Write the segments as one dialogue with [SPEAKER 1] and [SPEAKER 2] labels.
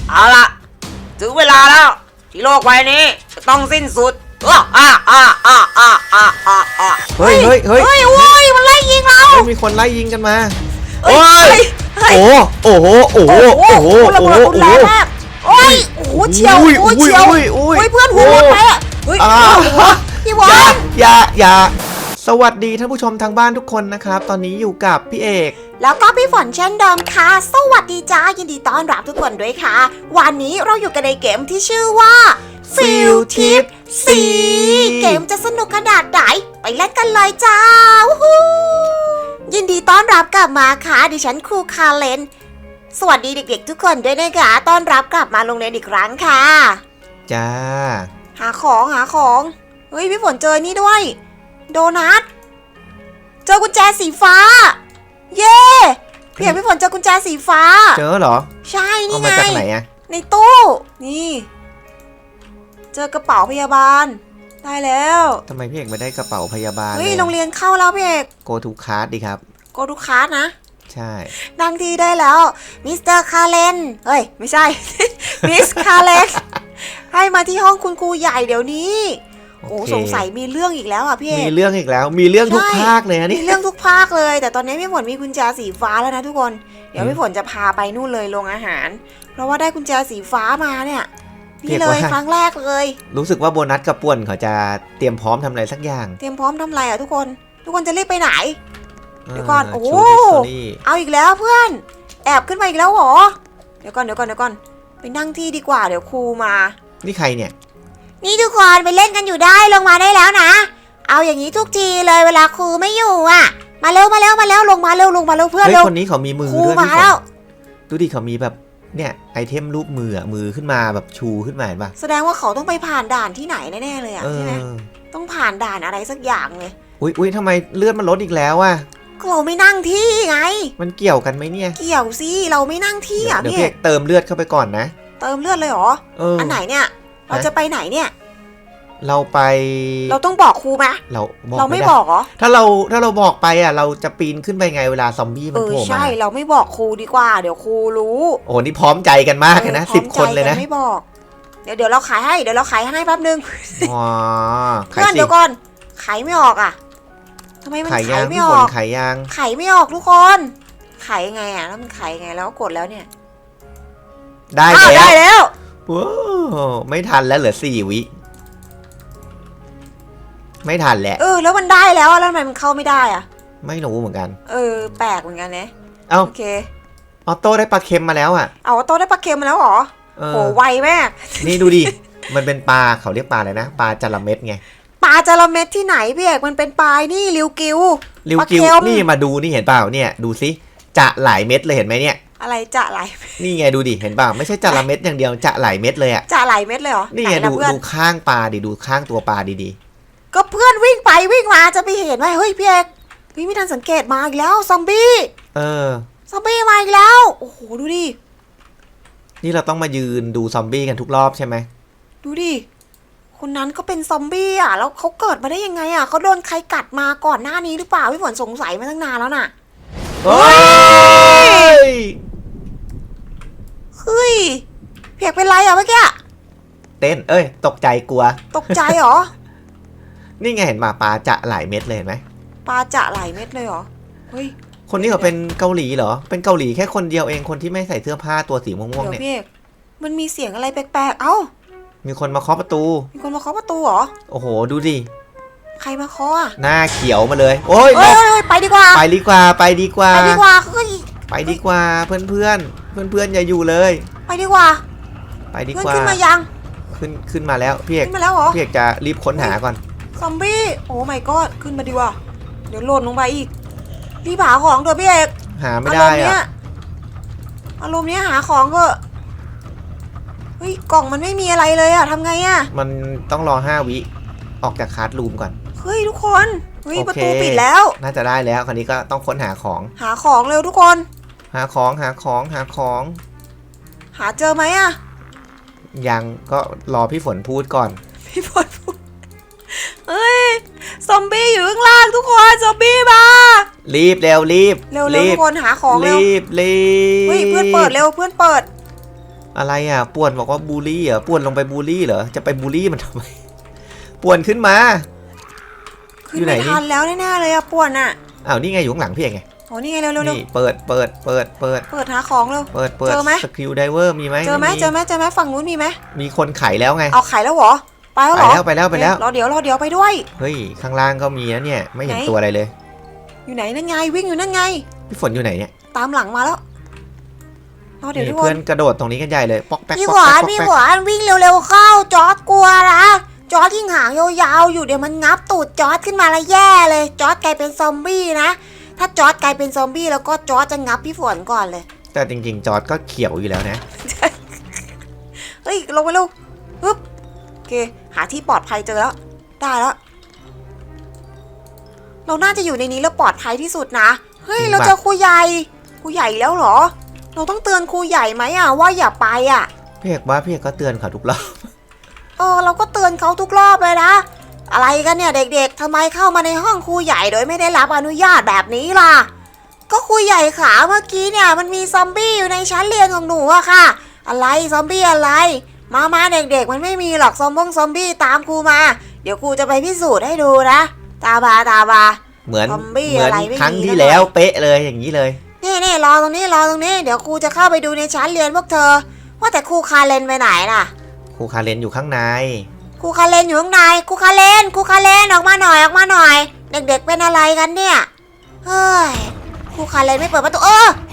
[SPEAKER 1] เอาละถึงเวลาแล้วที่โลกใบนี้จะต้องสิ้นสุด
[SPEAKER 2] เฮ้ย
[SPEAKER 1] โอ้ยมันไล่ยิงเรา
[SPEAKER 2] มีคนไล่ยิงกันมา
[SPEAKER 1] โอ้ย
[SPEAKER 2] โอ้โห
[SPEAKER 1] ระเบิดรุนแรงมากโอ้ยโอ้โหเฉียวโอ้ยเฉียวโอ้ยเพื่อนหัวหมดไปอ่ะเฮ้ยพี่บอล
[SPEAKER 2] อย่าสวัสดีท่านผู้ชมทางบ้านทุกคนนะครับตอนนี้อยู่กับพี่เอก
[SPEAKER 3] แล้วก็พี่ฝนเช่นเดิมค่ะสวัสดีจ้ายินดีต้อนรับทุกคนด้วยค่ะวันนี้เราอยู่กันในเกมที่ชื่อว่า Field Trip 4 เกมจะสนุกขนาดไหนไปเล่นกันเลยจ้ายินดีต้อนรับกลับมาค่ะดิฉันครูคาเลนสวัสดีเด็กๆทุกคนด้วยนะคะต้อนรับกลับมาโรงเรียนอีกครั้งค่ะ
[SPEAKER 2] จ้า
[SPEAKER 3] หาของเฮ้ยพี่ฝนเจอนี่ด้วยโดนัทเจอกุญแจสีฟ้าเย้พี่ฝนเจอกุญแจสีฟ้า
[SPEAKER 2] เจอเหรอ
[SPEAKER 3] ใช่นี่ไง
[SPEAKER 2] เอามาจากไหนอะ
[SPEAKER 3] ในตู้นี่เจอกระเป๋าพยาบาลได้แล้ว
[SPEAKER 2] ทำไมพี่เอกไม่ได้กระเป๋าพยาบาล
[SPEAKER 3] เฮ้ยโรงเรียนเข้าแล้วพี่เอก
[SPEAKER 2] Go to class ดิครับ
[SPEAKER 3] Go to class นะ
[SPEAKER 2] ใช่
[SPEAKER 3] นั่งที่ได้แล้วมิสเตอร์คาเลนเฮ้ยไม่ใช่ มิสคาเลนให้มาที่ห้องคุณครูใหญ่เดี๋ยวนี้โอ้สงสัยมีเรื่องอีกแล้วอ่ะพี่เอก
[SPEAKER 2] มีเรื่องอีกแล้วมีเรื่องทุกภาคเลยนะนี่
[SPEAKER 3] มีเรื่องทุกภาคเลยแต่ตอนนี้พี่ฝนมีกุญแจสีฟ้าแล้วนะทุกคนเดี๋ยวพี่ฝนจะพาไปนู่นเลยโรงอาหารเพราะว่าได้กุญแจสีฟ้ามาเนี่ยนี่เลยครั้งแรกเลย
[SPEAKER 2] รู้สึกว่าโบนัสกับป่วนเขาจะเตรียมพร้อมทำอะไรสักอย่าง
[SPEAKER 3] เตรียมพร้อมทำอะไรอ่ะทุกคนจะรีบไปไหนเดี๋ยวก่อนโอ้เอาอีกแล้วเพื่อนแอบขึ้นมาอีกแล้วหรอเดี๋ยวก่อนไปนั่งที่ดีกว่าเดี๋ยวครูมา
[SPEAKER 2] นี่ใครเนี่ย
[SPEAKER 3] นี่ทุกคนไปเล่นกันอยู่ได้ลงมาได้แล้วนะเอาอย่างนี้ทุกทีเลยเวลาครูไม่อยู่อ่ะมาเร็วลงมาเร็วเพื่อนเร็ว
[SPEAKER 2] คนนี้เขามีมือด้วยพี่ฝนดูดิเขามีแบบเนี่ยไอเทมรูปมือขึ้นมาแบบชูขึ้นมาเห็นปะ
[SPEAKER 3] แสดงว่าเขาต้องไปผ่านด่านที่ไหนแน่ๆเลยอ่ะใช่ไหมต้องผ่านด่านอะไรสักอย่างเลย
[SPEAKER 2] อุ้ยทำไมเลือดมันลดอีกแล้วอ่ะ
[SPEAKER 3] เราไม่นั่งที่ไง
[SPEAKER 2] มันเกี่ยวกันไหมเนี่ย
[SPEAKER 3] เกี่ยวสิเราไม่นั่งที่อ่ะ
[SPEAKER 2] เดี๋ยวพี่เติมเลือดเข้าไปก่อนนะ
[SPEAKER 3] เติมเลือดเลยเหรออันไหนเนี่ยเราจะไปไหนเนี่ย
[SPEAKER 2] เราไป
[SPEAKER 3] เราต้องบอกครูไหมเราไม่บอกเหรอ
[SPEAKER 2] ถ้าเราบอกไปอ่ะเราจะปีนขึ้นไปไงเวลาซอมบี้มันโผล่มา
[SPEAKER 3] ใช่เราไม่บอกครูดีกว่าเดี๋ยวครูรู้
[SPEAKER 2] โอ้นี่พร้อมใจกันมากเลยนะ10 คนเลยนะ
[SPEAKER 3] ไม่บอกเดี๋ยวเราขายให้แป๊บนึง
[SPEAKER 2] อ๋อ
[SPEAKER 3] เพื่อนเดี๋ยวก่อนขายไม่ออกอ่ะทำไมมันขายไม่ออก
[SPEAKER 2] ขายยัง
[SPEAKER 3] ขายไม่ออกทุกคนขายยังไงอ่ะแล้วมันขายยังไงแล้วกดแล้วเนี่ย
[SPEAKER 2] ได้
[SPEAKER 3] แล้ว
[SPEAKER 2] ว้าวไม่ทันแล้วเหลือ4 วิไม่ทันแหละ
[SPEAKER 3] แล้วมันได้แล้วทำไมมันเข้าไม่ได้อ่ะ
[SPEAKER 2] ไม่รู้เหมือนกัน
[SPEAKER 3] แปลกเหมือนกันนะ
[SPEAKER 2] โอเคออโต้ได้ปลาเค็มมาแล้วอ่ะ
[SPEAKER 3] ออโต้ได้ปลาเค็มมาแล้วเหรอโหไวมาก
[SPEAKER 2] นี่ดูดิมันเป็นปลาเขาเรียกปลาอะไรนะปลาจระเม็ดไง
[SPEAKER 3] ปลาจระเม็ดที่ไหนพี่เอกมันเป็นปลานี่ริวกิว
[SPEAKER 2] นี่มาดูนี่เห็นเปล่าเนี่ยดูซิจะหลายเม็ดเลยเห็นไหมเนี่ย
[SPEAKER 3] อะไรจะหลาย
[SPEAKER 2] นี่ไงดูดิเห็นเปล่าไม่ใช่จระเม็ดอย่างเดียวจะหลายเม็ดเลยอ่ะ
[SPEAKER 3] จะหลายเม็ดเลยเหรอ
[SPEAKER 2] นี่ไงดูข้างปลาดิดูข้างตัวปลาดี
[SPEAKER 3] ๆก็เพื่อนวิ่งไปวิ่งมาจะไปเห็นไหมเฮ้ยพี่เอกพี่ไม่ทันสังเกตมาอีกแล้วซอมบี้ซอมบี้มาอีกแล้วโอ้โหดูดิ
[SPEAKER 2] นี่เราต้องมายืนดูซอมบี้กันทุกรอบใช่ไหม
[SPEAKER 3] ดูดิคนนั้นก็เป็นซอมบี้อ่ะแล้วเขาเกิดมาได้ยังไงอ่ะเขาโดนใครกัดมาก่อนหน้านี้หรือเปล่าพี่ฝนสงสัยมาตั้งนานแล้วน่ะเฮ้ยเพียกเป็นไรอ่ะเมื่อกี้
[SPEAKER 2] เต้นตกใจกลัว
[SPEAKER 3] ตกใจเหรอ
[SPEAKER 2] นี่ไงเห็นปลาจะหลายเม็ดเลยเห็นไหม
[SPEAKER 3] ปลาจะหลายเม็ดเลยเหรอเฮ้ย
[SPEAKER 2] คนนี้เขาเป็นเกาหลีเหรอเป็นเกาหลีแค่คนเดียวเองคนที่ไม่ใส่เสื้อผ้าตัวสีม่วงๆเนี่ย
[SPEAKER 3] มันมีเสียงอะไรแปลกๆเอ้า
[SPEAKER 2] มีคนมาเคาะประตู
[SPEAKER 3] เหรอ
[SPEAKER 2] โอ้โหดูดิ
[SPEAKER 3] ใครมาเคาะ
[SPEAKER 2] หน้าเขียวมาเลยโอ้ย
[SPEAKER 3] ไปดีกว่า
[SPEAKER 2] ไปดีกว่าเพื่อนอย่าอยู่เลย
[SPEAKER 3] ไปดีกว่า
[SPEAKER 2] ขึ้
[SPEAKER 3] นมายัง
[SPEAKER 2] ขึ้นมาแล้วพี่เอกจะรีบค้นหาก่อน
[SPEAKER 3] ซอมบี้โอ้ my god ขึ้นมาดีกว่าเดี๋ยวหล่นลงไปอีกรีบหาของเถอะพี่เอก
[SPEAKER 2] หาไม่ได้
[SPEAKER 3] อารมณ์เนี้ยหาของก็เฮ้ยกล่องมันไม่มีอะไรเลยอะทำไงอะ
[SPEAKER 2] มันต้องรอ5 วิออกจากคลาสรูมก่อน
[SPEAKER 3] เฮ้ยทุกคนประตูปิดแล้ว
[SPEAKER 2] น่าจะได้แล้วคราวนี้ก็ต้องค้นหาของ
[SPEAKER 3] เร็วทุกคน
[SPEAKER 2] หาของห
[SPEAKER 3] าเจอไหมอะ
[SPEAKER 2] ยังก็รอพี่ฝนพูดก่อน
[SPEAKER 3] พี่ฝนพูดเฮ้ยซอมบี้อยู่ข้างล่างทุกคนซอมบี้มา
[SPEAKER 2] รีบเร็ว
[SPEAKER 3] ทุกคนหาของเร็ว
[SPEAKER 2] รีบ
[SPEAKER 3] เฮ้ยเพื่อนเปิดเร็ว
[SPEAKER 2] อะไรอ่ะป่วนบอกว่าบูลลี่เหรอป่วนลงไปบูลลี่เหรอจะไปบูลลี่มันทำไมป่วนขึ้นมา
[SPEAKER 1] ขึ้นไม่ทันแล้วแน่ๆเลยอะป่วนอะ
[SPEAKER 2] อ้าวนี่ไงอยู่ข้างหลังพี่เองไง
[SPEAKER 1] โอ้นี่ไงเร็วๆ
[SPEAKER 2] นี่เปิด
[SPEAKER 1] เปิดหาของเร็ว
[SPEAKER 2] เปิด
[SPEAKER 1] เจอไหม
[SPEAKER 2] สกิลไดเวอร์มีไหม
[SPEAKER 1] เจอไหมฝั่งนู้นมีไหม
[SPEAKER 2] มีคนไขแล้วไง
[SPEAKER 1] เอาไข่แล้วเหรอไปแล้วเหรอ
[SPEAKER 2] ไปแล้ว
[SPEAKER 1] รอเดี๋ยวไปด้วย
[SPEAKER 2] เฮ้ยข้างล่างก็มีนะเนี่ยไม่เห็นตัวอะไรเลย
[SPEAKER 1] อยู่ไหนนั่นไงวิ่งอยู่นั่นไง
[SPEAKER 2] พี่ฝนอยู่ไหนเนี่ย
[SPEAKER 1] ตามหลังมาแล้วรอเดี๋ยวทุกค
[SPEAKER 2] เพื่อน นกระโดดตรงนี้กันใหญ่เลยป๊อกแป๊ก
[SPEAKER 3] พี่
[SPEAKER 2] ป๊
[SPEAKER 3] ห
[SPEAKER 2] อก
[SPEAKER 3] วา
[SPEAKER 2] แป๊
[SPEAKER 3] น
[SPEAKER 2] ก
[SPEAKER 3] พี่
[SPEAKER 2] ป๊อก
[SPEAKER 3] หวานวิ่งเร็วๆเข้าจอร์ดกลัวนะจอร์ดที่หางยาวๆอยู่เดี๋ยวมันงับตูดจอร์ดขึ้นมาแล้วแย่เลยจอร์ดกลายเป็นซอมบี้นะถ้าจอร์ดกลายเป็นซอมบี้แล้วก็จอร์ดจะงับพี่ฝนก่อนเลย
[SPEAKER 2] แต่จริงๆจอร์ดก็เขียวอยู่แล้วนะ
[SPEAKER 1] เฮ้ยลงไปเร็วปึ๊บโอเคหาที่ปลอดภัยเจอแล้วได้แล้วเราน่าจะอยู่ในนี้แล้วปลอดภัยที่สุดนะเฮ้ยเราเจอครูใหญ่แล้วเหรอเราต้องเตือนครูใหญ่ไหมอะว่าอย่าไปอะ
[SPEAKER 2] พี่เอกว่าพี่เอกก็เตือนเขาทุกรอบ
[SPEAKER 3] เราก็เตือนเขาทุกรอบเลยนะอะไรกันเนี่ยเด็กๆทำไมเข้ามาในห้องครูใหญ่โดยไม่ได้รับอนุญาตแบบนี้ล่ะก็ครูใหญ่ขาเมื่อกี้เนี่ยมันมีซอมบี้อยู่ในชั้นเรียนของหนูอะค่ะอะไรซอมบี้อะไรมาเด็กๆมันไม่มีหรอกซอมบี้ตามครูมาเดี๋ยวครูจะไปพิสูจน์ให้ดูนะตาบา
[SPEAKER 2] เหมือน
[SPEAKER 3] ซอมบี้อะไรไม่มี
[SPEAKER 2] ครั้งที่แล้วเป๊ะเลยอย่างนี้เลย
[SPEAKER 3] นี่รอตรงนี้เดี๋ยวครูจะเข้าไปดูในชั้นเรียนพวกเธอว่าแต่ครูคาเลนไปไหนน่ะ
[SPEAKER 2] ครูคาเลนอยู่ข้างใน
[SPEAKER 3] ครูคาเลนอยู่ข้างในครูคาเลนออกมาหน่อยเด็กๆเป็นอะไรกันเนี่ยเฮ้ยครูคาเลนไม่เปิดประตู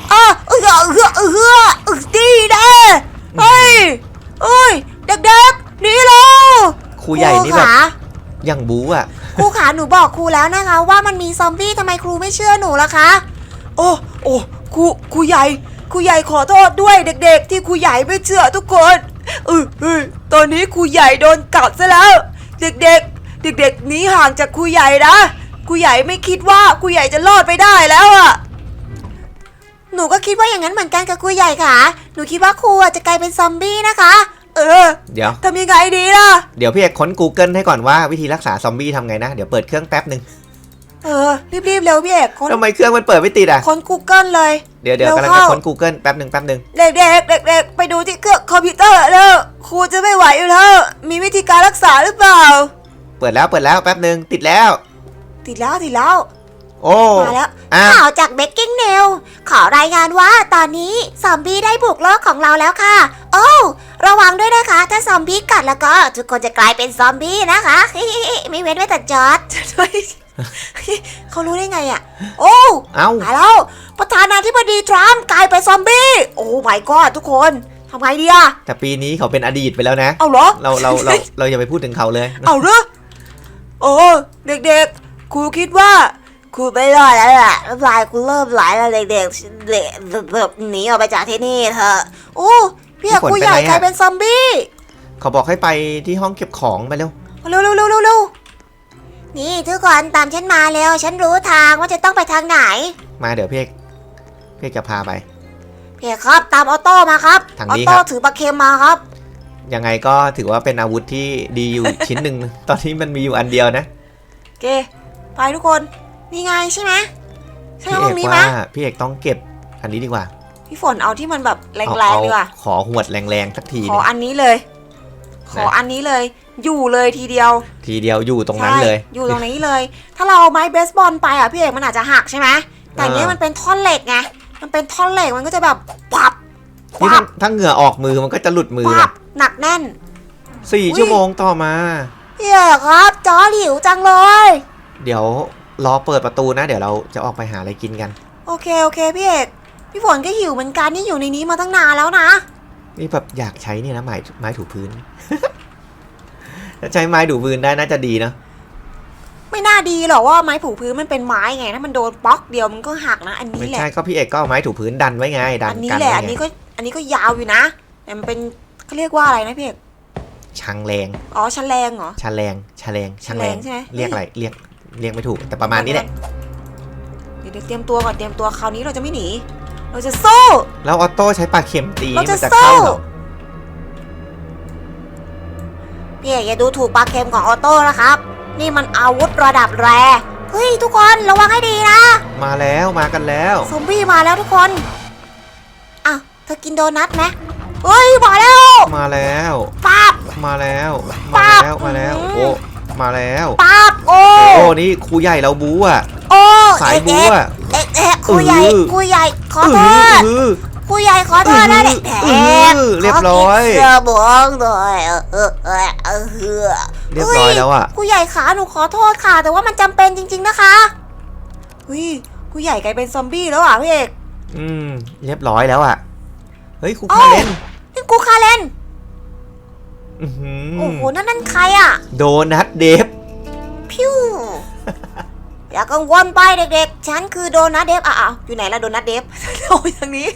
[SPEAKER 3] ดีเด้เฮ้ยเด็กๆหนีเร็ว
[SPEAKER 2] ครูใหญ่นี่แบบยังบู๊อ่ะ
[SPEAKER 3] ครูขาหนูบอกครูแล้วนะคะว่ามันมีซอมบี้ทำไมครูไม่เชื่อหนูล่ะคะ
[SPEAKER 1] โอ้ครูใหญ่ขอโทษด้วยเด็กๆที่ครูใหญ่ไม่เชื่อทุกคนตอนนี้ครูใหญ่โดนกัดซะแล้วเด็กหนีห่างจากครูใหญ่นะครูใหญ่ไม่คิดว่าครูใหญ่จะรอดไปได้แล้วอ่ะ
[SPEAKER 3] หนูก็คิดว่าอย่างนั้นเหมือนกันกับครูใหญ่ค่ะหนูคิดว่าครูจะกลายเป็นซอมบี้นะคะ
[SPEAKER 2] เดี๋ยว
[SPEAKER 1] ทำยังไงดีล่ะ
[SPEAKER 2] เดี๋ยวพี่เอกค้น Google ให้ก่อนว่าวิธีรักษาซอมบี้ทำไงนะเดี๋ยวเปิดเครื่องแป๊บนึง
[SPEAKER 1] รีบเร็วพี่เอก
[SPEAKER 2] ทำไมเครื่องมันเปิดไม่ติดอ่ะ
[SPEAKER 1] ค้น Google เลย
[SPEAKER 2] เดี๋ยวกำลังจะค้น Google แป๊บนึง
[SPEAKER 1] เด็กไปดูที่เครื่องคอมพิวเตอร์แล้วครูจะไม่ไหวอยู่แล้วมีวิธีการรักษาหรือเปล่า
[SPEAKER 2] เปิดแล้วแป๊บนึงติดแล้วโอ้
[SPEAKER 3] มาแล้วข่าวจากเบกกิ้งเนลขอรายงานว่าตอนนี้ซอมบี้ได้บุกโลกของเราแล้วค่ะโอ้ระวังด้วยนะคะถ้าซอมบี้กัดแล้วก็ทุกคนจะกลายเป็นซอมบี้นะคะไม่เว้นไว้แต่จอร์ดเขารู้ได้ไงอ่ะโอ้มาแล้วประธานาธิบดีทรัมป์กลายเป็นซอมบี้โอ้ my god ทุกคนทำไงดีอะ
[SPEAKER 2] แต่ปีนี้เขาเป็นอดีตไปแล้วนะ
[SPEAKER 1] เอาเหรอ
[SPEAKER 2] เราอย่าไปพูดถึงเขาเลย
[SPEAKER 1] เอาเหรอโอ้เด็กๆครูคิดว่า
[SPEAKER 3] ครูไม่รอดแล้วล่ะน้ำลายครูเริ่มไหลแล้วเด็กหนีออกไปจากที่นี่เถอะโอ้พี่ครูใหญ่กลายเป็นซอมบี้
[SPEAKER 2] เขาบอกให้ไปที่ห้องเก็บของไปเร็ว
[SPEAKER 3] นี่ทุกคนตามฉันมาเร็วฉันรู้ทางว่าจะต้องไปทางไหน
[SPEAKER 2] มาเดี๋ยวพี่จะพาไป
[SPEAKER 3] พี่ครับตามออโต้มาครับออโต้ถือปลาเค็มมาครับ
[SPEAKER 2] ยังไงก็ถือว่าเป็นอาวุธที่ดีอยู่ ชิ้นหนึ่งตอนนี้มันมีอยู่อันเดียวนะ
[SPEAKER 1] โอเคไปทุกคน
[SPEAKER 3] นี่ไงใช่ไหม
[SPEAKER 2] ใช่ห้องนี้ไหมพี่เอกต้องเก็บอันนี้ดีกว่า
[SPEAKER 1] พี่ฝนเอาที่มันแบบแรงๆดีกว่า
[SPEAKER 2] ขอหวดแรงๆสักที
[SPEAKER 1] ขออันนี้เลยอยู่เลยทีเดียว
[SPEAKER 2] อยู่ตรงนั้นเลย
[SPEAKER 3] อยู่ตรงนี้เลยถ้าเราเอาไม้เบสบอลไปพี่เอกมันอาจจะหักใช่ไหมแต่เนี้ยมันเป็นท่อนเหล็กไงมันเป็นท่อนเหล็กมันก็จะแบบปับ
[SPEAKER 2] นี่ถ้าเหงื่อออกมือมันก็จะหลุดมือ
[SPEAKER 3] หนักแน่น
[SPEAKER 2] 4 ชั่วโมงต่อมา
[SPEAKER 3] พี่เอกครับจอหิวจังเลย
[SPEAKER 2] เดี๋ยวรอเปิดประตูนะเดี๋ยวเราจะออกไปหาอะไรกินกัน
[SPEAKER 3] โอเคพี่เอกพี่ฝนก็หิวเหมือนกันนี่อยู่ในนี้มาตั้งนานแล้วนะ
[SPEAKER 2] นี่แบบอยากใช้นี่นะไม้ถูพื้นถ้าใช้ไม้ถูพื้นได้น่าจะดีนะ
[SPEAKER 3] ไม่น่าดีหรอกว่าไม้ถูพื้นมันเป็นไม้ไงถ้ามันโดนป๊อกเดียวมันก็หักนะอันนี้แหละ
[SPEAKER 2] ไม่ใช่ก็พี่เอกก็เอาไม้ถูพื้นดันไว้ไงดัน
[SPEAKER 3] อันนี้แหละอันนี้ก็ยาวอยู่นะแต่มันเป็นเขาเรียกว่าอะไรนะพี่เอก
[SPEAKER 2] ชังแรง
[SPEAKER 3] อ๋อชันแรงเหรอ
[SPEAKER 2] ชันแรงใช่ไหมเรียกอะไรเรียกไม่ถูกแต่ประมาณนี้แหละ
[SPEAKER 1] เดี๋ยวเตรียมตัวก่อนคราวนี้เราจะไม่หนีเราจะสู้
[SPEAKER 2] แล้วออโต้ใช้ปลาเข็มตี
[SPEAKER 3] มันจะเข้าหรอพี่อย่าดูถูกปลาเค็มของออโต้นะครับนี่มันอาวุธระดับแรเฮ้ยทุกคนระวังให้ดีนะ
[SPEAKER 2] มากันแล้ว
[SPEAKER 3] ซอมบี้มาแล้วทุกคนอ่ะเธอกินโดนัทไหมเฮ้ยมาแล้ว
[SPEAKER 2] มาแล้ว
[SPEAKER 3] ปั๊บ
[SPEAKER 2] มาแล้ว
[SPEAKER 3] ปั๊
[SPEAKER 2] มา
[SPEAKER 3] บ
[SPEAKER 2] แล้วมาแล้วโอ้มาแล้ว
[SPEAKER 3] ปั๊บโอ้
[SPEAKER 2] โอ้นี่ครูใหญ่เราบู๊อ่ะ
[SPEAKER 3] โอ้
[SPEAKER 2] สายบู๊อ่ะ
[SPEAKER 3] ครูใหญ่ครูใหญ่ขอโทษ
[SPEAKER 2] เออ
[SPEAKER 3] ครูใหญ่ขอโทษนะเด็ก
[SPEAKER 2] เรียบร้อย
[SPEAKER 3] เสื้อบองหน่อย
[SPEAKER 2] เรียบร้อยแล้วอ่ะ
[SPEAKER 3] ครูใหญ่ขาหนูขอโทษค่ะ แต่ว่ามันจำเป็นจริงๆนะคะเฮ้ยครูใหญ่กลายเป็นซอมบี้แล้วอ่ะพี่เอก
[SPEAKER 2] เรียบร้อยแล้วอ่ะเฮ้ยครู
[SPEAKER 3] โอ้
[SPEAKER 2] คาเลน
[SPEAKER 3] นี่ครูคาเลน
[SPEAKER 2] อื้อหือ
[SPEAKER 3] โอ้โหนั่นใครอ่ะ
[SPEAKER 2] โดนัทเดฟ
[SPEAKER 3] พิ้วอย่ากังวลไปเด็กๆฉันคือโดนัทเดฟอ้าวอยู่ไหนล่ะโดนัทเดฟ โอ้ยทางนี้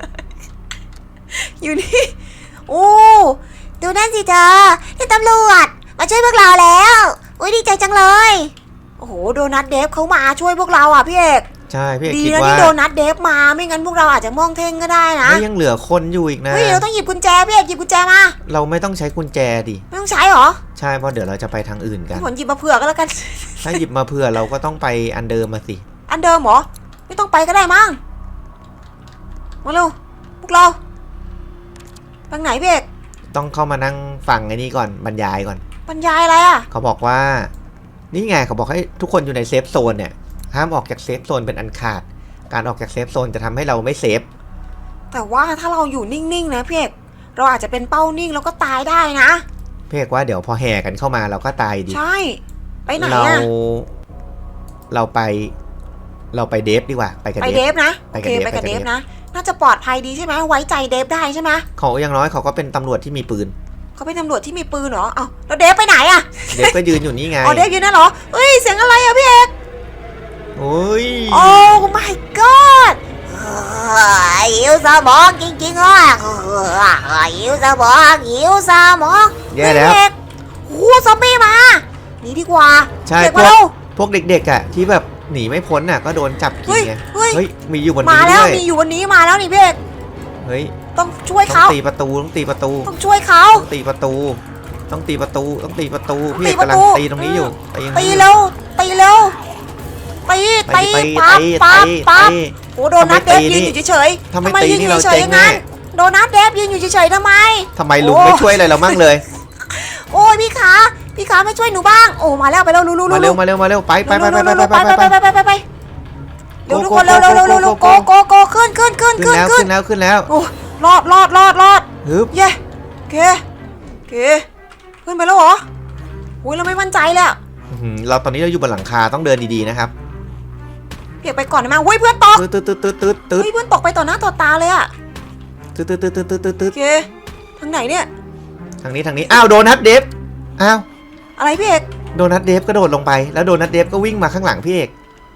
[SPEAKER 3] อยู่นี่โอ้ดูนั่นสิเธอนี่ตำรวจมาช่วยพวกเราแล้วอุ้ยดีใจจังเลยโอ้โหโดนัทเดฟเขามาช่วยพวกเราอ่ะพี่เอก
[SPEAKER 2] ใช่พี่เอก
[SPEAKER 3] ดี
[SPEAKER 2] คิด
[SPEAKER 3] นะ
[SPEAKER 2] ว่า
[SPEAKER 3] ที่โดนัทเดฟมาไม่งั้นพวกเราอาจจะมองเท่งก็ได้นะ
[SPEAKER 2] ไม่ยังเหลือคนอยู่อีกนะ
[SPEAKER 3] เฮ้ยเราต้องหยิบกุญแจพี่เอกหยิบกุญแจมา
[SPEAKER 2] เราไม่ต้องใช้กุญแจดิ
[SPEAKER 3] ไม่ต้องใช้หรอ
[SPEAKER 2] ใช่เพราะเดี๋ยวเราจะไปทางอื่นกัน
[SPEAKER 3] ผลหยิบมาเผื่อก็แล้วกัน
[SPEAKER 2] ถ้าหยิบมาเผื่อเราก็ต้องไปอันเดิมมาสิ
[SPEAKER 3] อันเดิมเหรอไม่ต้องไปก็ได้มั้งมาเร็วพวกเราทางไหนพี่เอก
[SPEAKER 2] ต้องเข้ามานั่งฟังไอ้นี่ก่อนบรรยายก่อน
[SPEAKER 3] บรรยายอะไรอ่ะ
[SPEAKER 2] เขาบอกว่า นี่ไงเขาบอกให้ทุกคนอยู่ในเซฟโซนเนี่ยห้ามออกจากเซฟโซนเป็นอันขาดการออกจากเซฟโซนจะทำให้เราไม่เซฟ
[SPEAKER 3] แต่ว่าถ้าเราอยู่นิ่งๆนะพี่เอกเราอาจจะเป็นเป้านิ่งแล้วก็ตายได้นะ
[SPEAKER 2] พี่เอกว่าเดี๋ยวพอแห่กันเข้ามาเราก็ตายดิ
[SPEAKER 3] ใช่ไปไหน
[SPEAKER 2] เรา
[SPEAKER 3] อ่ะ
[SPEAKER 2] เราไปเดฟดีกว่าไปกับ
[SPEAKER 3] ไป
[SPEAKER 2] เด
[SPEAKER 3] เด
[SPEAKER 2] ฟ
[SPEAKER 3] ฟนะ
[SPEAKER 2] ไป
[SPEAKER 3] โอ
[SPEAKER 2] กับ
[SPEAKER 3] เค
[SPEAKER 2] เดฟ
[SPEAKER 3] ไปกับ
[SPEAKER 2] ไปกับ
[SPEAKER 3] เด
[SPEAKER 2] เด
[SPEAKER 3] ฟ
[SPEAKER 2] ฟ
[SPEAKER 3] นะน่าจะปลอดภัยดีใช่ไหมไว้ใจเดฟได้ใช่ไหม
[SPEAKER 2] เขาอย่างน้อยเขาก็เป็นตำรวจที่มีปืน
[SPEAKER 3] เขาเป็นตำรวจที่มีปืนเหรอเอ้าแล้วเดฟไปไหนอ่ะ
[SPEAKER 2] เดฟก็ยืนอยู่นี่ไง
[SPEAKER 3] อ๋อเดฟอยู่นั่นเหรอเฮ้ยเสียงอะไรอ่ะพี่เอก
[SPEAKER 2] โอ้ย
[SPEAKER 3] โอ้ my god หิวสมองจริงๆอ่ะหิวสมองหิวสมอง
[SPEAKER 2] แย่แล้ว
[SPEAKER 3] พี่เอกโอ้ซอมบี้มาหนีดีกว่า
[SPEAKER 2] ใช่
[SPEAKER 3] เด็ก
[SPEAKER 2] พ
[SPEAKER 3] มาว
[SPEAKER 2] ก
[SPEAKER 3] เร็ว
[SPEAKER 2] พวกเด็กๆอ่ะที่แบบหนีไม่พ้นอ่ะก็โดนจับกินไง
[SPEAKER 3] เฮ้ย
[SPEAKER 2] เฮ้ยมีอยู่บน
[SPEAKER 3] มา
[SPEAKER 2] นี้
[SPEAKER 3] แล้ว
[SPEAKER 2] ด้วย
[SPEAKER 3] มีอยู่วันนี้มาแล้วนี่พี่เอก
[SPEAKER 2] เฮ้ย
[SPEAKER 3] ต้องช่วย
[SPEAKER 2] ต้อ
[SPEAKER 3] เขา
[SPEAKER 2] งตีประตูต้องตีประตู
[SPEAKER 3] ต้องช่วยเขา
[SPEAKER 2] ต้องตีประตูต้องตีประตูต้องตีประตูพี่
[SPEAKER 3] ตี
[SPEAKER 2] เอก
[SPEAKER 3] ประ
[SPEAKER 2] กำลัง
[SPEAKER 3] ตู
[SPEAKER 2] ตีตรงนี้อยู่ตีตรง
[SPEAKER 3] ตี
[SPEAKER 2] นี้อยู่
[SPEAKER 3] เร็วตีเร็วตีตี
[SPEAKER 2] ตี
[SPEAKER 3] ปั๊บ
[SPEAKER 2] ตี
[SPEAKER 3] ปั๊บ
[SPEAKER 2] ตี
[SPEAKER 3] ปั๊บ
[SPEAKER 2] ตี
[SPEAKER 3] โอ้โดนัทเดฟยืนอยู่เฉย
[SPEAKER 2] ถ้าไม่
[SPEAKER 3] ทำไม
[SPEAKER 2] ตี
[SPEAKER 3] ยืนอ
[SPEAKER 2] นี่
[SPEAKER 3] ยู่
[SPEAKER 2] เรา
[SPEAKER 3] เฉย
[SPEAKER 2] เจ๊
[SPEAKER 3] ๆ
[SPEAKER 2] ง
[SPEAKER 3] อย่างนั้น
[SPEAKER 2] แน่
[SPEAKER 3] โดนัทเดฟยืนอยู่เฉยๆทำไม
[SPEAKER 2] ทำไมลุงไม่ช่วยอะไรเรามั่งเลย
[SPEAKER 3] โอ้ยพี่ขาไม่ช่วยหนูบ้างโอ้มาแล้วไปแล้วรู้
[SPEAKER 2] มาเร็วมาเร็วมาเร็วไปไปไปไปไปไปไปไป
[SPEAKER 3] เร็วทุกคนเร็วโกขึ้น
[SPEAKER 2] ขึ้นแล้วขึ้นแล้ว
[SPEAKER 3] โอ้รอด
[SPEAKER 2] ฮึบ
[SPEAKER 3] เย้เคขึ้นไปแล้วเหรอโอ้ยเราไม่มั่นใจเลย
[SPEAKER 2] เราตอนนี้เราอยู่บนหลังคาต้องเดินดีๆนะครับ
[SPEAKER 3] เพียกไปก่อนได้ไหมเฮ้ยเพื่อนตก
[SPEAKER 2] ตืดตืดตืดตืดตืด
[SPEAKER 3] เฮ้ยเพื่อนตกไปต่อหน้าต่อตาเลยอะ
[SPEAKER 2] ตืดตืดตืดตืดตืดตืด
[SPEAKER 3] โอเคทางไหนเนี่ย
[SPEAKER 2] ทางนี้อ้าวโดนัทเดฟอ้าว
[SPEAKER 3] อะไรพี่เอก
[SPEAKER 2] โดนัทเดฟกระโดดลงไปแล้วโดนัทเดฟก็วิ่งมาข้างหลังพี่เอก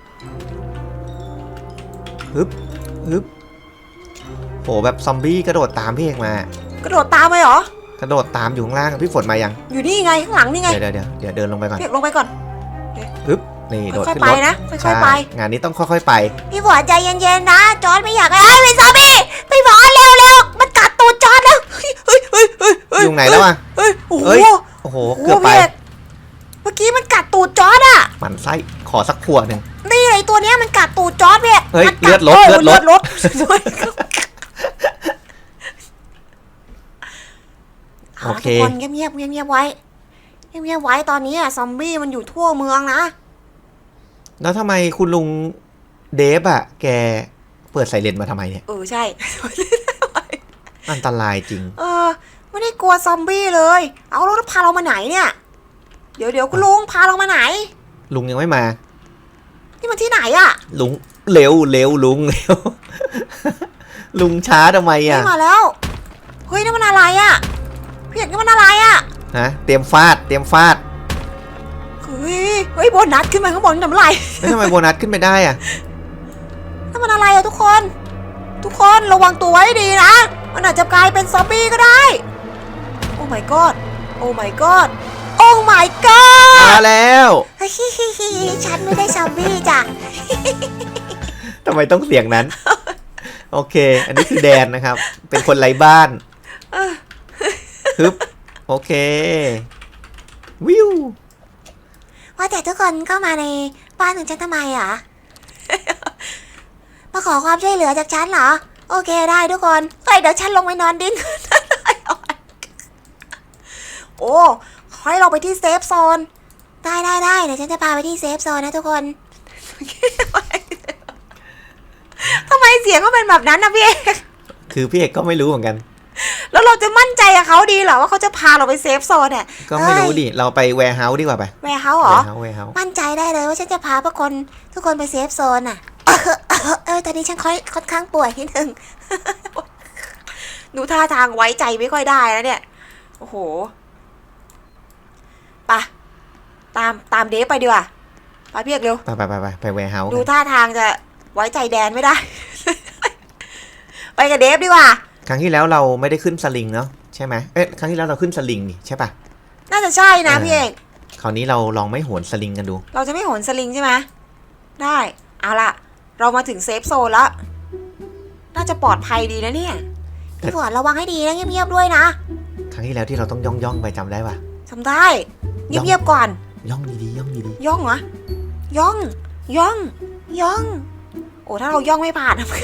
[SPEAKER 2] ฮึบฮึบโหแบบซอมบี้กระโดดตามพี่เอกมาก
[SPEAKER 3] ระโดดตามไปเหรอก
[SPEAKER 2] ระโดดตามอยู่ข้างล่างพี่ฝนมายัง
[SPEAKER 3] อยู่นี่ไงข้างหลังนี่ไง
[SPEAKER 2] เดี๋ยวเดินลงไปก่อน
[SPEAKER 3] พี่เอกลงไปก่อน
[SPEAKER 2] ฮึบนี่โดด
[SPEAKER 3] ค่อย
[SPEAKER 2] ขึ้น
[SPEAKER 3] ๆไป
[SPEAKER 2] รถ
[SPEAKER 3] นะค่อยๆไป
[SPEAKER 2] งานนี้ต้องค่อยๆไป
[SPEAKER 3] พี่ฝนใจเย็นๆนะจอร์ดไม่อยากให้เป็นซอมบี้พี่ฝนเร็วมันกัดตูดจอร์ดแล้วเฮ้ย
[SPEAKER 2] อยู่ไหนแล้วอ่ะ
[SPEAKER 3] เฮ้ยโอ้โห
[SPEAKER 2] เฮ้ย โอ้โหเกือบไป
[SPEAKER 3] พี่กเมื่อกี้มันกัดตูดจอร์ดอะ
[SPEAKER 2] หมันไส้ขอสักขวดหนึ่ง
[SPEAKER 3] นี่ไอตัวเนี้ยมันกัดตูดจอร์ดพี่
[SPEAKER 2] เฮ้ย
[SPEAKER 3] มันกั
[SPEAKER 2] เลือดลด โอเค
[SPEAKER 3] ทุกคนเงียบไว้ไว้ตอนนี้อะซอมบี้มันอยู่ทั่วเมืองนะ
[SPEAKER 2] แล้วทำไมคุณลุงเดฟอะแกเปิดไซเรนมาทำไมเนี่ย
[SPEAKER 3] ใช่
[SPEAKER 2] อันตรายจริง
[SPEAKER 3] ไม่ได้กลัวซอมบี้เลย เอาแล้วพาเรามาไหนเนี่ย เดี๋ยวคุณลุงพาเรามาไหน
[SPEAKER 2] ลุงยังไม่มา
[SPEAKER 3] นี่มันที่ไหนอะ
[SPEAKER 2] ลุงเร็วลุงเร็ว ลุงช้าทำไม
[SPEAKER 3] ไม่
[SPEAKER 2] อะ
[SPEAKER 3] มาแล้วเฮ้ยนี่มันอะไรอะพี่เอกนี่มันอะไรอะ
[SPEAKER 2] ฮะเตรียมฟาด
[SPEAKER 3] เฮ้ยโบนัสขึ้นมาข้างบนทำไร
[SPEAKER 2] แล้วทำไมโบนัสขึ้นไปได้อะ
[SPEAKER 3] นั่นมันอะไรอะทุกคนระวังตัวไว้ดีนะมันอาจจะกลายเป็นซอมบี้ก็ได้โอ้ my god โอ้ my god โอ้ my god
[SPEAKER 2] มาแล้ว
[SPEAKER 3] ฉันไม่ได้ซอมบี้จ้ะ
[SPEAKER 2] ทำไมต้องเสียงนั้น โอเค อันนี้คือแดนนะครับ เป็นคนไร้บ้านฮึบโอเควิว
[SPEAKER 3] ว่าแต่ทุกคนเข้ามาในบ้านของฉันทำไมอ่ะ มาขอความช่วยเหลือจากฉันเหรอโอเคได้ทุกคนเฮ้ยเดี๋ยวฉันลงไปนอนดิ้นโอ้ขอให้เราไปที่เซฟโซนได้เดี๋ยวฉันจะพาไปที่เซฟโซนนะทุกคน ทำไมเสียงเขาเป็นแบบนั้นนะพี่เอก
[SPEAKER 2] คือพี่เอกก็ไม่รู้เหมือนกัน
[SPEAKER 3] แล้วเราจะมั่นใจกับเขาดีเหรอว่าเขาจะพาเราไปเซฟโซนเนี่ย
[SPEAKER 2] ก็ไม่รู้ดิเราไปแวร์เฮาส์ดีกว่าไป
[SPEAKER 3] แวร์เฮาส์เหรอ
[SPEAKER 2] แวร์เฮาส์
[SPEAKER 3] มั่นใจได้เลยว่าฉันจะพาทุกคนไปเซฟโซนอ่ะ ตอนนี้ฉันค่อนข้างป่วยนิดนึง ดูท่าทางไว้ใจไม่ค่อยได้แล้วเนี่ย โอ้โหไปตามเดฟไปดีกว่าไปพี่เอกเร็ว
[SPEAKER 2] ไปแวร์เฮาส์
[SPEAKER 3] ดูท่าทางจะไว้ใจแดนไม่ได้ ไปกับเดฟดีกว่า
[SPEAKER 2] ครั้งที่แล้วเราไม่ได้ขึ้นสลิงเนาะใช่ไหมครั้งที่แล้วเราขึ้นสลิงนี่ใช่ปะ
[SPEAKER 3] น่าจะใช่นะพี่เอก
[SPEAKER 2] คราวนี้เราลองไม่โหนสลิงกันดู
[SPEAKER 3] เราจะไม่โหนสลิงใช่ไหมได้ เอาล่ะ เรามาถึงเซฟโซนแล้ว น่าจะปลอดภัยดีนะเนี่ยพี่ฝนระวังให้ดีนะเงียบๆด้วยนะ
[SPEAKER 2] ครั้งที่แล้วที่เราต้องย่องไปจำได้ปะ
[SPEAKER 3] ทำได้ เงียบๆก่อน
[SPEAKER 2] ย่องดีๆย่องดี
[SPEAKER 3] ย่องเหรอย่องโอ้ถ้าเราย่องไม่ผ่านทำไง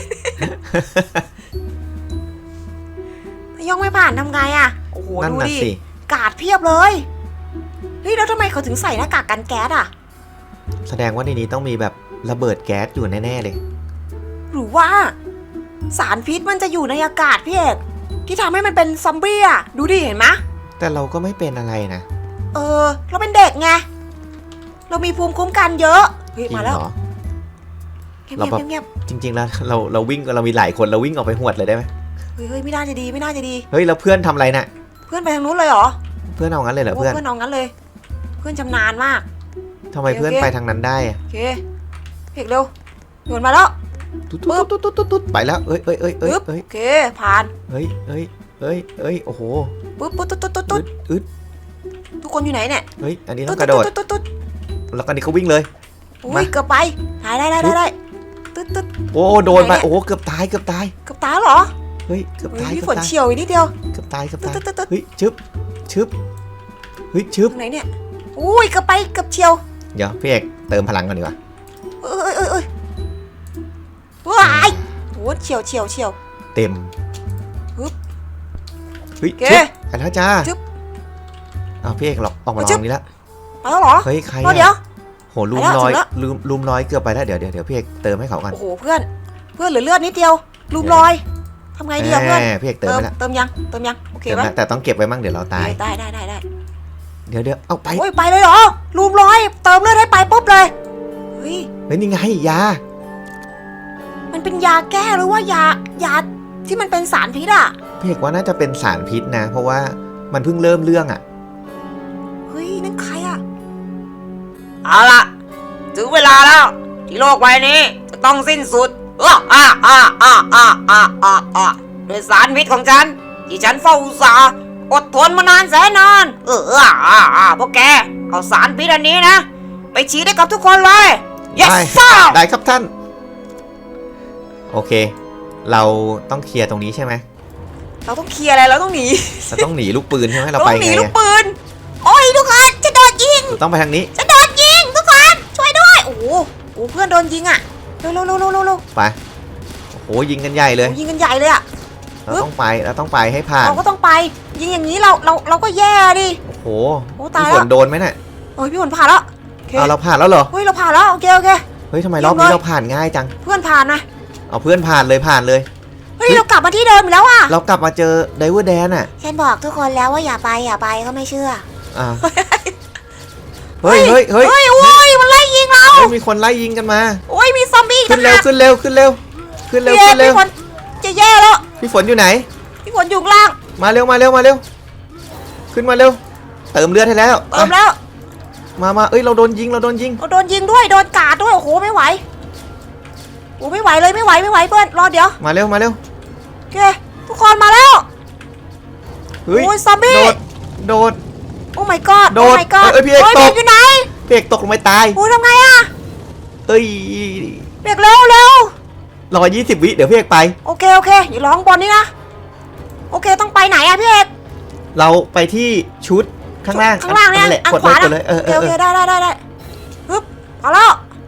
[SPEAKER 3] ถ้าย่องไม่ผ่านทำไงอะโอ้โห
[SPEAKER 2] ๆนั่น
[SPEAKER 3] ดู
[SPEAKER 2] น่ะ
[SPEAKER 3] ดิ
[SPEAKER 2] สิ
[SPEAKER 3] กาดเพียบเลยเฮ้ยแล้วทำไมเขาถึงใส่หน้ากากกันแก๊สอะ
[SPEAKER 2] แสดงว่าในนี้ต้องมีแบบระเบิดแก๊สอยู่แน่ๆเลย
[SPEAKER 3] หรือว่า สารพิษมันจะอยู่ในอากาศพี่เอกที่ทำให้มันเป็นซอมบี้อะดูดิเห็นไหม
[SPEAKER 2] แต่เราก็ไม่เป็นอะไรนะ
[SPEAKER 3] เราเป็นเด็กไงเรามีภูมิคุ้มกันเยอะเฮ้ย
[SPEAKER 2] จริง
[SPEAKER 3] มาแล้ว
[SPEAKER 2] เหรอ
[SPEAKER 3] เงียบ
[SPEAKER 2] เราแบบ
[SPEAKER 3] เงียบ
[SPEAKER 2] จริงๆแล้วเราวิ่งเรามีหลายคนเราวิ่งออกไปหวดเลยได้ไหม
[SPEAKER 3] เฮ้ยไม่น่าจะดีไม่น่าจะดี
[SPEAKER 2] เฮ้ยแล้วเพื่อนทำอะไรน่ะ
[SPEAKER 3] เพื่อนไปทางนู้นเลยเหรอ
[SPEAKER 2] เพื่อนเอางั้นเลยเหรอ
[SPEAKER 3] โอ้
[SPEAKER 2] เพื่อน
[SPEAKER 3] เพื่อนเอางั้นเลย เพื่อนชำนาญมาก
[SPEAKER 2] ทำไมเพื่อนไปทางนั้นได้อะ
[SPEAKER 3] โอเคเพียกเร็วโยนมาแล้ว
[SPEAKER 2] ตุ๊ดไปแล้วเอ้ย
[SPEAKER 3] ปึ๊บโอเคผ่าน
[SPEAKER 2] เฮ้ยโอ้โห
[SPEAKER 3] ปึ๊บปุ๊บตุ๊ด
[SPEAKER 2] อึด
[SPEAKER 3] ทุกคนอยู่ไหนเนี่ย
[SPEAKER 2] เฮ้ยอันนี้ต้องกระโดด
[SPEAKER 3] ตุ๊ด
[SPEAKER 2] แล้วก็นี่เขาวิ่งเลย
[SPEAKER 3] อุ้
[SPEAKER 2] มา
[SPEAKER 3] ยเกือบไปได้ตุ๊ด
[SPEAKER 2] โอ้โดนไป
[SPEAKER 3] ไหนเนี่ย
[SPEAKER 2] โอ้เกือบตาย
[SPEAKER 3] เกือบตายเหรอ
[SPEAKER 2] เฮ้ยเกือบ
[SPEAKER 3] เฮ้ย
[SPEAKER 2] ตาย
[SPEAKER 3] พี่ฝนเฉียวอีกนิดเดียว
[SPEAKER 2] เกือบตาย
[SPEAKER 3] ตุ๊ด
[SPEAKER 2] เฮ้ยชึบเฮ้ยชึบ
[SPEAKER 3] ตรงไหนเนี่ยอุ้ยเกือบไปเกือบเฉียว
[SPEAKER 2] เดี๋ยวพี่เอกเติมพลังก่อนดีกว่า
[SPEAKER 3] เอ้ยว้ายโอ้เฉียว
[SPEAKER 2] เต็ม
[SPEAKER 3] ปึ๊บ
[SPEAKER 2] เฮ้ย
[SPEAKER 3] โอเค
[SPEAKER 2] ชึบไปแล้วจ้า
[SPEAKER 3] ชึบ
[SPEAKER 2] เอาพี่เอกหรอกออกมาล
[SPEAKER 3] ชึ
[SPEAKER 2] อบ งนี้แล้ว
[SPEAKER 3] ไปแล้วเหรอ
[SPEAKER 2] เฮ้ยใคร
[SPEAKER 3] เดี๋ยว
[SPEAKER 2] โหลุม
[SPEAKER 3] ไปแล้ว
[SPEAKER 2] ร้อย
[SPEAKER 3] ถึงแล้ว
[SPEAKER 2] ลุมร้อยเกือบไปแล้วเดี๋ยวพี่เอกเติมให้เขากัน
[SPEAKER 3] โอ้โหเพื่อนเหลือเลือดนิดเดียวลูมลอยทำไงดีอะเพื่อน
[SPEAKER 2] พี่เอกเติมไปแล้ว
[SPEAKER 3] เติมยังโอเค
[SPEAKER 2] เติม
[SPEAKER 3] ปะ
[SPEAKER 2] แล้วแต่ต้องเก็บไว้มั่งเดี๋ยวเราตาย
[SPEAKER 3] ได้
[SPEAKER 2] เดี๋ยวเอาไป
[SPEAKER 3] โอ้ยไปเลยเหรอลูมลอยเติมเลือดให้ไปปุ๊บเลยเฮ้ย
[SPEAKER 2] เฮ้ยนี่ไงยา
[SPEAKER 3] มันเป็นยาแก้หรือว่ายาที่มันเป็นสารพิษอะ
[SPEAKER 2] พี่เอกว่าน่าจะเป็นสารพิษนะ เพราะว่ามันเพิ่งเริ่มเรื่องอ่ะ
[SPEAKER 3] เฮ้ยนั่นใครอะ
[SPEAKER 1] เอาล่ะ ถึงเวลาแล้ว ที่โลกใบนี้จะต้องสิ้นสุดด้วยสารพิษของฉัน ที่ฉันเฝ้าอุตสาห์อดทนมานานแสนนานพวกแกเอาสารพิษอันนี้นะ ไปฉีดให้กับทุกคนเลย yes
[SPEAKER 2] ได้
[SPEAKER 1] sir
[SPEAKER 2] ได้ครับท่าน โอเค เราต้องเคลียร์ตรงนี้ใช่ไหม
[SPEAKER 3] เราต้องเคลียร์อะไรเราต้องหนี
[SPEAKER 2] เราต้องหนีลูกปืนใช่ไหมเรา
[SPEAKER 3] เรา
[SPEAKER 2] ไป
[SPEAKER 3] ต้องหนี
[SPEAKER 2] ไง
[SPEAKER 3] ลูก
[SPEAKER 2] อะ
[SPEAKER 3] ปืนโอ้ยทุกคนจะโดนยิง
[SPEAKER 2] เราต้องไปทางนี้
[SPEAKER 3] จะโดนยิงทุกคนช่วยด้วยโอ้โหเพื่อนโดนยิงอะเร็ว
[SPEAKER 2] ไปโอ้โหยิงกันใหญ่เลย
[SPEAKER 3] ยิงกันใหญ่เลยอะ
[SPEAKER 2] เราต้องไปให้ผ่าน
[SPEAKER 3] เราก็ต้องไปยิงอย่างนี้เราก็แย่ดิ
[SPEAKER 2] โอ้โห
[SPEAKER 3] โอ้ตาย
[SPEAKER 2] พี่
[SPEAKER 3] แล้ว
[SPEAKER 2] ฝนโดนไหมน่ะ
[SPEAKER 3] โอ้ยพี่ฝนผ่านแล้วโอเค
[SPEAKER 2] เอาเราผ่านแล้วเหรอ
[SPEAKER 3] เฮ้ยเราผ่านแล้วโอเค
[SPEAKER 2] เฮ้ยทำไมรอบนี้เราผ่านง่ายจัง
[SPEAKER 3] เพื่อนผ่านนะ
[SPEAKER 2] เอาเพื่อนผ่านเลย
[SPEAKER 3] เฮ้ยเรากลับมาที่เดิมอีกแล้วอะ
[SPEAKER 2] เรากลับมาเจอไดเวอร์แดนอ่ะ
[SPEAKER 3] ฉันบอกทุกคนแล้วว่าอย่าไปก็ไม่เชื่อ
[SPEAKER 2] อ่าเฮ้ย
[SPEAKER 3] โอ้ยมันไล่ยิงเรา
[SPEAKER 2] เฮ้ยมีคนไล่ยิงกันมา
[SPEAKER 3] โอ้ยมีซอมบี้
[SPEAKER 2] ขึ้นเร็ว
[SPEAKER 3] ต่างหาก
[SPEAKER 2] ขึ้นเร็วขึ้นเร็ว
[SPEAKER 3] พี่ฝนจะแย่แล้ว
[SPEAKER 2] พี่ฝนอยู่ไหน
[SPEAKER 3] พี่ฝนอยู่ข้างล่าง
[SPEAKER 2] มาเร็วขึ้นมาเร็วเติมเลือดให้แล้ว
[SPEAKER 3] เติมแล้ว
[SPEAKER 2] มาเอ้ยเราโดนยิง
[SPEAKER 3] เราโดนยิงด้วยโดนกาดด้วยโอ้โหไม่ไหวโอ้ไม่ไหวเลยไม่ไหวเพื่อนรอเดี๋ยว
[SPEAKER 2] มาเร็ว
[SPEAKER 3] โอเคทุกคนมาแล้ว
[SPEAKER 2] เฮ้ย
[SPEAKER 3] โอ้ยซอมบี้
[SPEAKER 2] โดด
[SPEAKER 3] โอ้ my god
[SPEAKER 2] โด
[SPEAKER 3] โอ้
[SPEAKER 2] ด
[SPEAKER 3] my god
[SPEAKER 2] เอ้ยพี่เอกตก
[SPEAKER 3] อยู่ไหน
[SPEAKER 2] เปียกตกลงไปตาย
[SPEAKER 3] โอ้ทำไงอะ
[SPEAKER 2] เอ้ย
[SPEAKER 3] เบรกเร็ว
[SPEAKER 2] รอ20 วิเดี๋ยวพี่เอกไป
[SPEAKER 3] โอเคอย่าร้องบอลนี่นะโอเคต้องไปไหนอะพี่เอก
[SPEAKER 2] เราไปที่ชุดข้างล่าง
[SPEAKER 3] เนี่ย
[SPEAKER 2] แหละ
[SPEAKER 3] อัน
[SPEAKER 2] กด
[SPEAKER 3] ขวา
[SPEAKER 2] เลย
[SPEAKER 3] โอเคได้ปึ๊บเอาแล้ว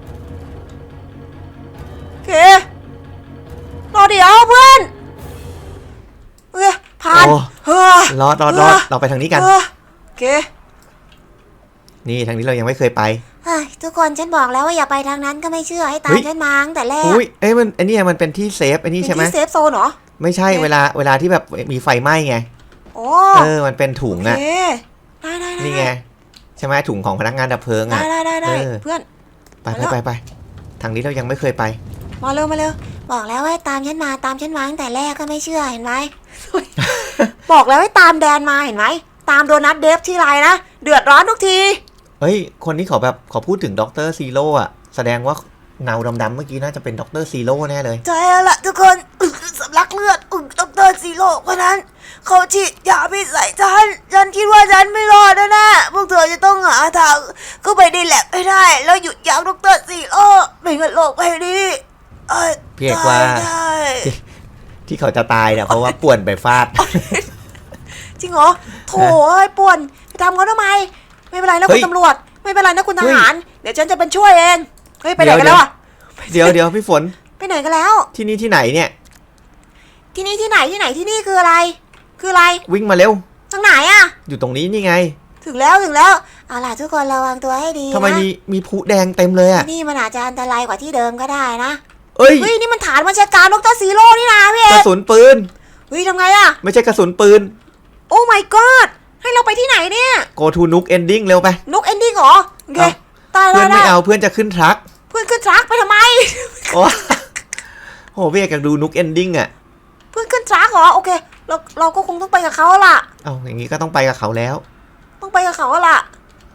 [SPEAKER 3] โอเครอเดี๋ยวเพื่อนโอเคผ่าน
[SPEAKER 2] โอ้
[SPEAKER 3] เฮ้อ
[SPEAKER 2] รอเราไปทางนี้กัน
[SPEAKER 3] เออ
[SPEAKER 1] เค
[SPEAKER 2] นี่ทางนี้เรายังไม่เคยไป
[SPEAKER 3] เฮ้ยทุกคนฉันบอกแล้วว่าอย่าไปทางนั้นก็ไม่เชื่อให้ตามฉันมาตั้งแต่แรก
[SPEAKER 2] อุ้ยมันไอ้นี่มันเป็นที่เซฟไอ้นี่ใช่ไหม
[SPEAKER 1] เป็นที่เซฟโซนเหรอ
[SPEAKER 2] ไม่ใช่
[SPEAKER 1] โอเค
[SPEAKER 2] เวลาที่แบบมีไฟไหม้ไง
[SPEAKER 1] โอ้
[SPEAKER 2] มันเป็นถุง
[SPEAKER 1] โอ
[SPEAKER 2] อะ
[SPEAKER 1] เคได้
[SPEAKER 2] นี่ไงใช่ไหมถุงของพนักงานดับเพลิง
[SPEAKER 1] ได้
[SPEAKER 2] อะ
[SPEAKER 1] ได้เพื่อน
[SPEAKER 2] ไปทางนี้เรายังไม่เคยไป
[SPEAKER 1] มาเร็ว
[SPEAKER 3] บอกแล้วว่าให้ตามฉันมาตั้งแต่แรกก็ไม่เชื่อเห็นไหม
[SPEAKER 1] บอกแล้วให้ตามแดนมาเห็นไหมตามโดนัทเดฟที่ไรนะเดือดร้อนทุกที
[SPEAKER 2] เฮ้ยคนที่เขาพูดถึงด็อกเตอร์ซีโร่อะแสดงว่าเงาดำๆเมื่อกี้น่าจะเป็นด็อกเตอร์ซีโร่แน่เลย
[SPEAKER 1] ใช่แล้วล่ะทุกคนสำลักเลือดดรซีโร่คนนั้นเขาฉีดยาพิษใส่ฉันคิดว่าฉันไม่รอดแน่ๆพวกเธอจะต้องหาทางเข้าไปในแลบให้ได้แล้วหยุดยั้งดรซีโร่ไม่งั้นโลกใบนี้
[SPEAKER 2] พี่เอกว่า
[SPEAKER 1] ได้
[SPEAKER 2] ที่เขาจะตายเนี่ยเพราะว่าป่วนไปฟาด
[SPEAKER 1] จริงเหรอโถ่เอ้ยป่วนไปทำเขาทำไมไม่เป็นไรนะ
[SPEAKER 2] เฮ้
[SPEAKER 1] คุ
[SPEAKER 2] ย
[SPEAKER 1] ณตำรวจไม่เป็นไรนะคุณท
[SPEAKER 2] เฮ้ย
[SPEAKER 1] หารเดี๋ยวฉันจะเป็นช่วยเองเฮ้ยไปไหนกันแล้วอะ
[SPEAKER 2] เดี๋ยวพี่ฝน
[SPEAKER 1] ไปไหนกันแล้ว
[SPEAKER 2] ที่นี่ที่ไหนเนี่ย
[SPEAKER 1] ที่นี่ที่ไหนที่นี่คืออะไร คืออะไร
[SPEAKER 2] วิ่งมาเร็ว
[SPEAKER 1] ทางไหนอะ
[SPEAKER 2] อยู่ตรงนี้นี่ไง
[SPEAKER 1] ถึงแล้ว
[SPEAKER 3] เอาล่ะทุกคนระวังตัวให้ดี
[SPEAKER 2] ทำไม
[SPEAKER 3] นะ
[SPEAKER 2] มีพลุแดงเต็มเลยอะ
[SPEAKER 3] ที่นี่มันอาจจะอันตรายกว่าที่เดิมก็ได้นะ
[SPEAKER 2] เอ้ย
[SPEAKER 1] เฮ้ยนี่มันฐานบัญชาการดรซีโร่นี่นะพี่เอก
[SPEAKER 2] ระสุนปืน
[SPEAKER 1] เฮ้ยทำไงอะ
[SPEAKER 2] ไม่ใช่กระสุนปืน
[SPEAKER 1] โอ้ my god ให้เราไปที่ไหนเนี่ย
[SPEAKER 2] go to nuke ending เร็วไป
[SPEAKER 1] นกเอนดิ้งเหรอโอเค
[SPEAKER 2] เอา
[SPEAKER 1] ตาย
[SPEAKER 2] เพื่
[SPEAKER 1] แล้
[SPEAKER 2] อน
[SPEAKER 1] ว
[SPEAKER 2] ไม่
[SPEAKER 1] นะ
[SPEAKER 2] เอาเพื่อนจะขึ้นทรัค
[SPEAKER 1] เพื่อนขึ้นทรัคไปทำไม
[SPEAKER 2] โอ้ โหพี่เอกอยากดู nuke ending อะ
[SPEAKER 1] เพื่อนขึ้นทรัคเหรอโอเคเราก็คงต้องไปกับเขาล่ะ
[SPEAKER 2] เอาอย่างนี้ก็ต้องไปกับเขาแล้ว
[SPEAKER 1] ต้องไปกับเขาล่ะ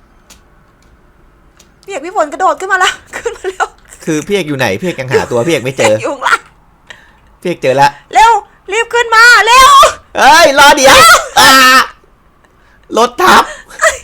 [SPEAKER 1] พี่เอกพี่ฝนกระโดดขึ้นมาแล้ว ขึ้นมาเร็ว
[SPEAKER 2] คือพี่เอกอยู่ไหนพี่เอกยังหาตัวพี่เอกไม่เจอ
[SPEAKER 1] อยู่ข้างล่าง
[SPEAKER 2] พี่เอกเจอแล้ว
[SPEAKER 1] เร็วรีบขึ้นมาเร็ว
[SPEAKER 2] เอ้ยรอเดี๋ยวรถทับ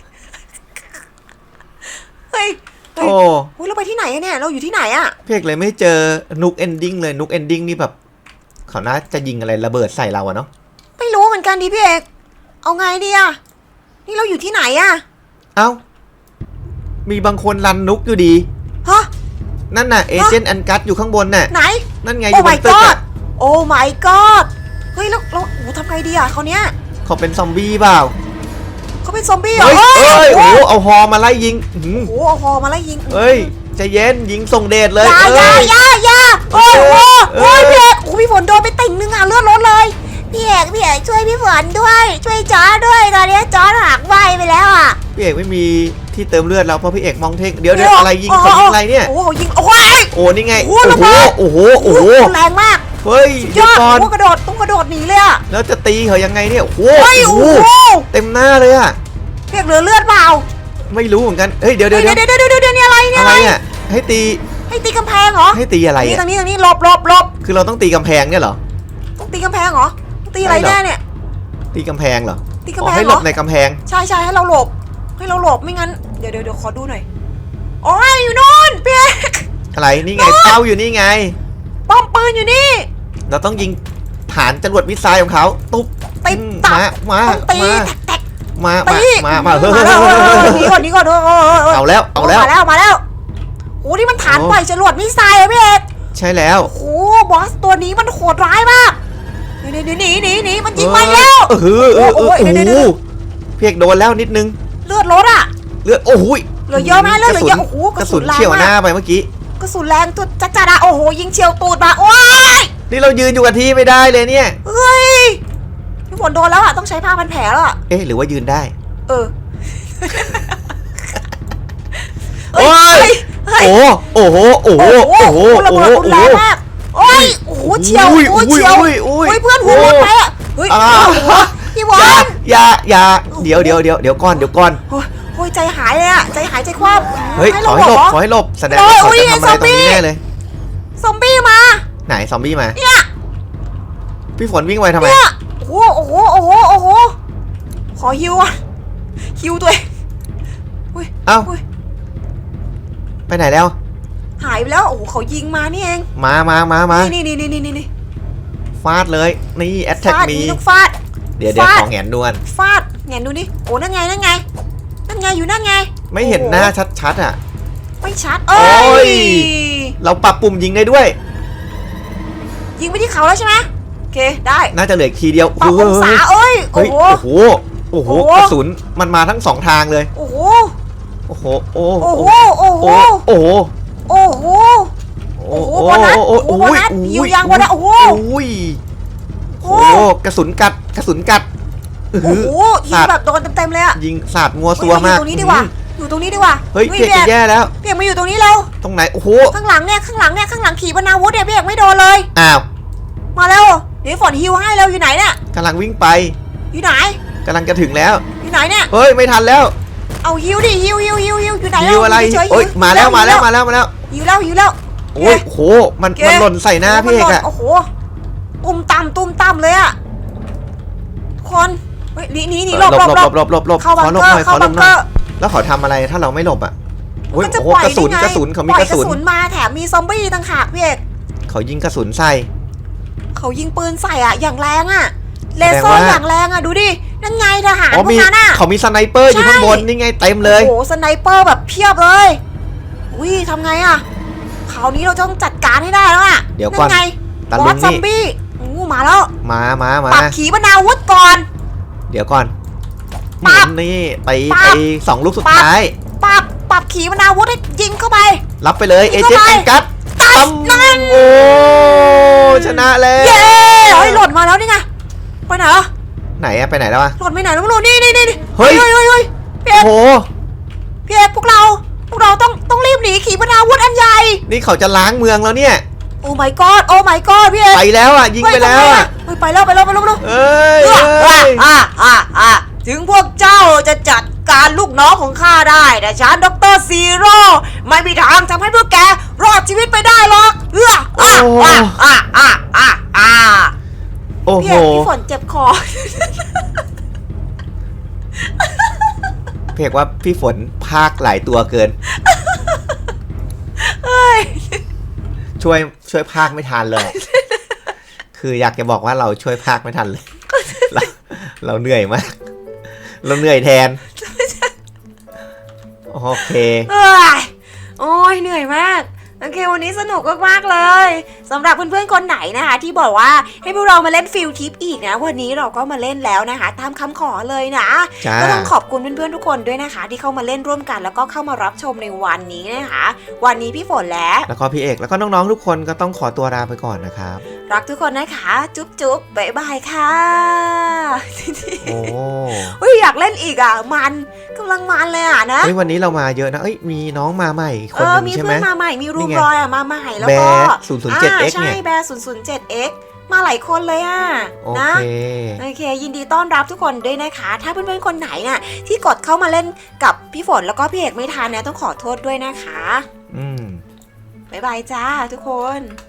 [SPEAKER 1] เฮ้ย
[SPEAKER 2] โอ้
[SPEAKER 1] เฮ้ยเราไปที่ไหนอะเนี่ยเราอยู่ที่ไหนอะ
[SPEAKER 2] พี่เอกเลยไม่เจอ nuke ending เลย nuke ending นี่แบบเขาน่าจะยิงอะไรระเบิดใส่เราอะเนาะ
[SPEAKER 1] ไม่รู้เหมือนกันดิพี่เอกเอาไงดีอะนี่เราอยู่ที่ไหนอะ
[SPEAKER 2] เอ้ามีบางคนรันนุกอยู่ดี
[SPEAKER 1] ฮะ
[SPEAKER 2] นั่นน่ะเอเจนต์อันกัสอยู่ข้างบนน่ะ
[SPEAKER 1] ไหน
[SPEAKER 2] นั่นไงอ
[SPEAKER 1] โอ้
[SPEAKER 2] ยู่บ
[SPEAKER 1] my
[SPEAKER 2] นตึก
[SPEAKER 1] god
[SPEAKER 2] อะ
[SPEAKER 1] โอ้ my god เฮ้ยแล้วโอ้โหทำไงดีอะเขาเนี้ย
[SPEAKER 2] เขาเป็นซอมบี้เปล่า
[SPEAKER 1] เขาเป็นซอมบี้เหรอ
[SPEAKER 2] เฮ้ยเอ้ย
[SPEAKER 1] โอ้
[SPEAKER 2] โอ้
[SPEAKER 1] โห
[SPEAKER 2] โหเอาฮอมาไล่ยิงอื้อหือ
[SPEAKER 1] โอ้โหเอาฮอมาไล่ยิง
[SPEAKER 2] เอ้ยใจเย็นยิงส่งเดชเลย
[SPEAKER 1] อย่า
[SPEAKER 2] เอ้ย
[SPEAKER 1] อย่าโอ้โห
[SPEAKER 2] เออ
[SPEAKER 1] โอ้ยพี่เอกโอ้พี่ฝนโดนไปติ่งนึงอ่ะเลือดลดเลย
[SPEAKER 3] พี่เอกช่วยพี่ฝนด้วย ช่วยจอร์จด้วยตอนนี้จอร์จหักไหวไปแล้วอ่ะ
[SPEAKER 2] พี่เอกไม่มีที่เติมเลือดแล้วเพราะพี่เอกมองเทคเดี๋ยวอะไรยิงเขายิงอะไรเนี่ย
[SPEAKER 1] โอ้โหยิงโอ้ย
[SPEAKER 2] โอ้นี่ไง
[SPEAKER 1] โอ้
[SPEAKER 2] โอ้
[SPEAKER 1] โห
[SPEAKER 2] โหโอ้โหโอ้โห
[SPEAKER 1] แรงมาก
[SPEAKER 2] เฮ้ย
[SPEAKER 1] ย
[SPEAKER 2] เดี๋ยว
[SPEAKER 1] อด
[SPEAKER 2] ก่อน
[SPEAKER 1] โอ้กระโดดต้องกระโดดหนีเลยอ่ะ
[SPEAKER 2] แล้วจะตีเขายังไงเนี่ยโอ้โห
[SPEAKER 1] เฮ้ย
[SPEAKER 2] โอ้
[SPEAKER 1] โอ้
[SPEAKER 2] โห
[SPEAKER 1] โห
[SPEAKER 2] เต็มหน้าเลยอะ
[SPEAKER 1] พี่เอกเหลือเลือดเปล่า
[SPEAKER 2] ไม่รู้เหมือนกันเฮ้ยเดี๋ยว
[SPEAKER 1] เดี๋ยวนี่อะไรเนี่ย
[SPEAKER 2] อะไรอะให้ตี
[SPEAKER 1] ให้ตีกำแพงเหรอ
[SPEAKER 2] ให้ตีอะไร
[SPEAKER 1] นี่
[SPEAKER 2] อะ
[SPEAKER 1] ทางนี้หลบ
[SPEAKER 2] คือเราต้องตีกำแพงเนี่ยเหรอ
[SPEAKER 1] ต้องตีกำแพงเหรอต้องตีอะไร
[SPEAKER 2] ใช่เหรอ
[SPEAKER 1] แน่เนี่ย
[SPEAKER 2] ตีกำแพงเหรอ
[SPEAKER 1] ตี
[SPEAKER 2] อ๋
[SPEAKER 1] กำ
[SPEAKER 2] อ
[SPEAKER 1] แพง
[SPEAKER 2] ให้
[SPEAKER 1] เห
[SPEAKER 2] หล
[SPEAKER 1] ร
[SPEAKER 2] บ
[SPEAKER 1] อ
[SPEAKER 2] ในกำแพง
[SPEAKER 1] ใช่ให้เราหลบไม่งั้นเดี๋ยวขอดูหน่อยโอ้ยอยู่นู่นพี่เอก
[SPEAKER 2] อะไรนี่ไงเป้าอยู่นี่ไง
[SPEAKER 1] ป้อมปืนอยู่นี่
[SPEAKER 2] เราต้องยิงฐานจรวดมิสไซล์ของเขาตุ๊บ
[SPEAKER 1] ติด
[SPEAKER 2] อืม
[SPEAKER 1] ตับ
[SPEAKER 2] มา
[SPEAKER 1] ต้องตี แตก
[SPEAKER 2] มา
[SPEAKER 1] ตี
[SPEAKER 2] มาเฮ้ย
[SPEAKER 1] มาแล้วหนีก่อน
[SPEAKER 2] เอาแล้ว
[SPEAKER 1] มาแล้วโอ้นี่มันฐานปล่อยจรวดมิสไซล์อะพี่เอก
[SPEAKER 2] ใช่แล้ว
[SPEAKER 1] โอ้บอสตัวนี้มันโหดร้ายมากหนีมันยิงมาแล้ว
[SPEAKER 2] โอ้โหเพียกโดนแล้วนิดนึง
[SPEAKER 1] เลือดลดอ่ะ
[SPEAKER 2] เลือดโอ้โห
[SPEAKER 1] เหลือเยอะไหมเลือดเหลือเยอะโอ้โห
[SPEAKER 2] กระสุนเฉี่ยวหน้าไปเมื่อกี้
[SPEAKER 1] กระสุนแรงตัวจัดๆอะโอ้โหยิงเฉียวตูดมาโอ้ย
[SPEAKER 2] นี่เรายืนอยู่กับที่ไม่ได้เลยเนี่ย
[SPEAKER 1] เฮ้ยพี่ฝนโดนแล้วอ่ะต้องใช้ผ้าพันแผลแล้วอ่ะ
[SPEAKER 2] เอ๊ะหรือว่ายืนได้
[SPEAKER 1] เออ
[SPEAKER 2] โอ้ยโอ้โห
[SPEAKER 1] ระเบิดรุนแรงมากโอ้ยโอ้โหเฉียวเฉียวเพื่อนหัวหมดไปอ่ะเฮ้ยพี่ฝน
[SPEAKER 2] อย่าเดี๋ยวก่อน
[SPEAKER 1] โอ้ยใจหายเลยอ่ะใจหายใจคว่ำ
[SPEAKER 2] เฮ้ยขอให้หลบแสดงว่าเขาจะทำอะไรตรงนี้แน่เลย
[SPEAKER 1] ซอมบี้มา
[SPEAKER 2] ไหนซอมบี้มา
[SPEAKER 1] เนี่ย
[SPEAKER 2] พี่ฝนวิ่งไวทำไม
[SPEAKER 1] เนี่ยโอ้โหขอฮิวอ่ะฮิวตัวเอง
[SPEAKER 2] เอ้าไปไหนแล้ว
[SPEAKER 1] หายไปแล้วโอ้โหเขายิงมานี่เอง
[SPEAKER 2] มา
[SPEAKER 1] นี่
[SPEAKER 2] ฟาดเลยนี่แอตแทก
[SPEAKER 1] ฟาด
[SPEAKER 2] มี
[SPEAKER 1] นี่ต้องฟาด
[SPEAKER 2] เดี๋ยวขอแหงนดวน
[SPEAKER 1] ฟาดแงนดูนี่โอ้นั่นไงอยู่นั่นไง
[SPEAKER 2] ไม่เห็นหน้าชัดๆอ่ะ
[SPEAKER 1] ไม่ชัด
[SPEAKER 2] โอ้ย เราปรับปุ่มยิงได้ด้วย
[SPEAKER 1] ยิงไปที่เขาแล้วใช่ไหมโอเคได้
[SPEAKER 2] น่าจะเหลืออีกทีเดียว
[SPEAKER 1] ปรับองศาเอ้ย
[SPEAKER 2] เฮ้ย
[SPEAKER 1] โอ้
[SPEAKER 2] โอ้อ้โห
[SPEAKER 3] โอ้โห
[SPEAKER 2] กระสุนมันมาทั้งสองทางเลย
[SPEAKER 3] โอ้โห
[SPEAKER 2] โอ้โหโอ้
[SPEAKER 3] โอ้
[SPEAKER 2] โห
[SPEAKER 3] โห โอ้โห
[SPEAKER 2] โอ้โห
[SPEAKER 3] โอ้โห โอ้โหโบนัสโอ้โหโบนัสหิวยางโบนัสโอ้โห
[SPEAKER 2] โอ้ยโอ้โหกระสุนกัดกระสุนกัด
[SPEAKER 3] โอ้โหยิงแบบโดนเต็มๆเลยอะ
[SPEAKER 2] ยิงสาดงัวซัวมาก
[SPEAKER 3] อยู่ตรงนี้ดีกว่า อยู่ตรงนี้ดีกว่า
[SPEAKER 2] เฮ้ยพี่เอกจะแย่แล้ว
[SPEAKER 3] พี่เอกมาอยู่ตรงนี้แล้ว
[SPEAKER 2] ตรงไหนโอ้โห
[SPEAKER 3] ข้างหลังเนี่ยข้างหลังขี่ปนาวุธเนี่ยพี่เอกไม่โดนเลย
[SPEAKER 2] อ้าว
[SPEAKER 3] มาแล้วเดี๋ยวฝนฮิวให้แล้วอยู่ไหนเนี่ย
[SPEAKER 2] กำลังวิ่งไป
[SPEAKER 3] อยู่ไหน
[SPEAKER 2] กำลังจะถึงแล้ว
[SPEAKER 3] อยู่ไหนเนี่ย
[SPEAKER 2] เฮ้ยไม่ทันแล้ว
[SPEAKER 3] เอาฮิวดิฮิวอยู่ไหน
[SPEAKER 2] หิวอะไร
[SPEAKER 3] เฉยๆ
[SPEAKER 2] โอ้ยมาแล้ว
[SPEAKER 3] หิ
[SPEAKER 2] มาแล้ว
[SPEAKER 3] หิ
[SPEAKER 2] มาแล้วมาแล้ว
[SPEAKER 3] หิวแล้ว
[SPEAKER 2] โอ้ยโหมันหล่นใส่หน้าพี่เอกอะ
[SPEAKER 3] โอ้โหตุ้มต่ำเลยอะคนเฮ้ยหนีหลบ เข้าบัง
[SPEAKER 2] ขอหลบ
[SPEAKER 3] เกอ
[SPEAKER 2] หน่อย
[SPEAKER 3] ร์เข้า
[SPEAKER 2] ขอหล
[SPEAKER 3] บั
[SPEAKER 2] บ
[SPEAKER 3] ง
[SPEAKER 2] ห
[SPEAKER 3] เก
[SPEAKER 2] น่
[SPEAKER 3] อ
[SPEAKER 2] อย
[SPEAKER 3] ร์
[SPEAKER 2] แล้วเขาทำอะไรถ้าเราไม่หลบอะโอ้ย
[SPEAKER 3] มันจะ
[SPEAKER 2] โอ้โห
[SPEAKER 3] ปล่อย
[SPEAKER 2] กระสุน
[SPEAKER 3] ได้ไง
[SPEAKER 2] กระสุนเขามี
[SPEAKER 3] ปล่อย
[SPEAKER 2] กระสุน
[SPEAKER 3] มาแถมมีซอมบี้ต่างหากพี่เอก
[SPEAKER 2] เขายิงกระสุนใส่
[SPEAKER 3] เขายิงปืนใส่อะอย่างแรงอะเล
[SPEAKER 2] แสดง
[SPEAKER 3] เซอร์
[SPEAKER 2] ว่า
[SPEAKER 3] อย่างแรงอะดูดินั่นไงทหาร
[SPEAKER 2] อ๋อ
[SPEAKER 3] พว
[SPEAKER 2] มี
[SPEAKER 3] กนั้นอะ
[SPEAKER 2] เขามีสไนเปอร์อยู่
[SPEAKER 3] ใช่
[SPEAKER 2] ข้างบนนี่ไงเต็มเลย
[SPEAKER 3] โอ้โหสไนเปอร์แบบเพียบเลยอุ้ยทำไงอะคราวนี้เราต้องจัดการให้ได้แล้วอะ
[SPEAKER 2] เดี๋ยวก่อน
[SPEAKER 3] ไง
[SPEAKER 2] ตะ
[SPEAKER 3] บ
[SPEAKER 2] ลุ
[SPEAKER 3] อง สซอม
[SPEAKER 2] นี่
[SPEAKER 3] บี้อู้มาแล้ว
[SPEAKER 2] มา
[SPEAKER 3] ปรับขีปนาวุธก่อน
[SPEAKER 2] เดี๋ยวก่อน
[SPEAKER 3] ปั๊บ
[SPEAKER 2] นี่ไป
[SPEAKER 3] ปั๊บ
[SPEAKER 2] สองลูกสุด
[SPEAKER 3] ปั๊บ
[SPEAKER 2] ท้าย
[SPEAKER 3] ปรับขีปนาวุธให้ยิงเข้าไป
[SPEAKER 2] รับไปเลย
[SPEAKER 3] ยิ
[SPEAKER 2] เอง เจ
[SPEAKER 3] เข้าน
[SPEAKER 2] ต์
[SPEAKER 3] ไป
[SPEAKER 2] แองกัส
[SPEAKER 3] ตัดนั่น
[SPEAKER 2] โอ้ชนะแล้ว
[SPEAKER 3] เย้เฮ้ยหล่นมาแล้วนี่ไงไปไหนอะ
[SPEAKER 2] ไหนอะไปไหนแล้วอะ
[SPEAKER 3] หล่นไปไหนแล้วไม่รู้นี่
[SPEAKER 2] เฮ้ย
[SPEAKER 3] พี่เอก
[SPEAKER 2] โอ้โห
[SPEAKER 3] พี่เอกพวกเราต้องรีบหนีขีปนาวุธอันใหญ่
[SPEAKER 2] นี่เขาจะล้างเมืองแล้วเนี่ย
[SPEAKER 3] โอ้ my god โอ้ my god พี่เอก
[SPEAKER 2] ไปแล้วอะยิงไปแล้วอะ
[SPEAKER 3] เฮ้ยไปแล้ว
[SPEAKER 2] เอ้ยเอ้ย
[SPEAKER 3] ถึงพวกเจ้าจะจัดการลูกน้องของข้าได้แต่ฉันดรซีโร่ไม่มีทางทำให้พวกแกรอดชีวิตไปได้หรอก
[SPEAKER 2] โอ้
[SPEAKER 3] พี่
[SPEAKER 2] โห
[SPEAKER 3] เอกพี่ฝนเจ็บคอ
[SPEAKER 2] เพกว่าพี่ฝนพากหลายตัวเกิน
[SPEAKER 3] เฮ้ย
[SPEAKER 2] ช่วยพากไม่ทันเลย คืออยากจะบอกว่าเราช่วยพากไม่ทันเลย เราเหนื่อยมาก เราเหนื่อยแทน โอเค
[SPEAKER 3] โอ้ยเหนื่อยมากโอเควันนี้สนุกมากๆเลยสำหรับเพื่อนๆคนไหนนะคะที่บอกว่าให้พวกเรามาเล่นฟิลทิปอีกนะวันนี้เราก็มาเล่นแล้วนะคะตามคำขอเลยนะ
[SPEAKER 2] จ้า
[SPEAKER 3] ก็ต้องขอบคุณเพื่อนๆทุกคนด้วยนะคะ ที่เข้ามาเล่นร่วมกันแล้วก็เข้ามารับชมในวันนี้นะคะวันนี้พี่ฝน
[SPEAKER 2] แล้วก็พี่เอกแล้วก็น้องๆทุกคนก็ต้องขอตัวลาไปก่อนนะครับ
[SPEAKER 3] รักทุกคนนะคะจุ๊บจุ๊บบ๊ายบายค่ะ
[SPEAKER 2] โอ้
[SPEAKER 3] เฮ้ยอยากเล่นอีกอ่ะมันกำลังมันเลยอ่ะนะ
[SPEAKER 2] เฮ้ยวันนี้เรามาเยอะนะเอ้ยมีน้องมาใหม่อีกคนหนึง
[SPEAKER 3] มี
[SPEAKER 2] ใช่ไห
[SPEAKER 3] เพื่
[SPEAKER 2] ม
[SPEAKER 3] อนมาใหม่มีรู
[SPEAKER 2] นี่
[SPEAKER 3] ม
[SPEAKER 2] ไง
[SPEAKER 3] รอยอ่ะมาใหม่แล้ว
[SPEAKER 2] แบ
[SPEAKER 3] ก็
[SPEAKER 2] ร์ 007X
[SPEAKER 3] ใช่
[SPEAKER 2] เนี่ย
[SPEAKER 3] แบร์ 007X มาหลายคนเลยอ่ะ
[SPEAKER 2] โอ
[SPEAKER 3] นะ
[SPEAKER 2] เค
[SPEAKER 3] โอเคยินดีต้อนรับทุกคนด้วยนะคะ ถ้าเพื่อนๆคนไหนน่ะที่กดเข้ามาเล่นกับพี่ฝนแล้วก็พี่เอกไม่ทันเนี่ยต้องขอโทษด้วยนะคะ
[SPEAKER 2] อืม
[SPEAKER 3] บ๊ายบายจ้าทุกคน